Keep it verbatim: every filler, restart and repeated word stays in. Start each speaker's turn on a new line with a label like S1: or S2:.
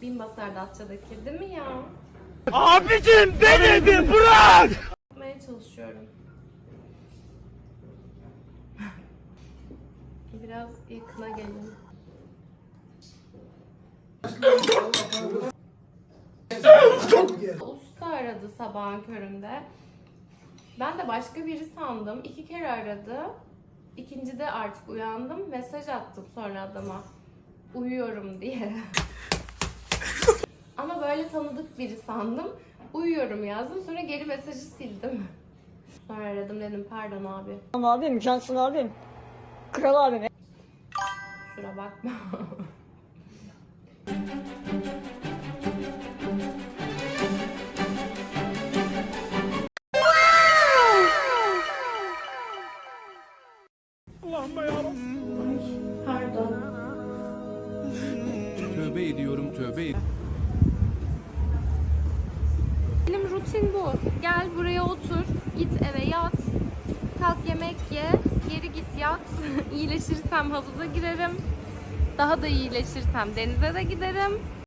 S1: Bin basar Datça'daki değil mi ya?
S2: Abicim denedi bırak!
S1: Yapmaya çalışıyorum. Biraz yakına gelin. Usta aradı sabahın köründe. Ben de başka biri sandım. İki kere aradı. İkincide artık uyandım. Mesaj attım sonra adama. Uyuyorum diye. Ama böyle tanıdık biri sandım. Uyuyorum yazdım. Sonra geri mesajı sildim. Sonra aradım, dedim pardon abi.
S3: Tamam abim, cansın abim. Kral abim.
S1: Kusura bakma.
S2: Allah'ım yarabbim.
S1: Pardon.
S2: Tövbe ediyorum tövbe ediyorum.
S1: Benim rutin bu. Gel buraya otur, git eve yat, kalk yemek ye, geri git yat. İyileşirsem havuza girerim. Daha da iyileşirsem denize de giderim.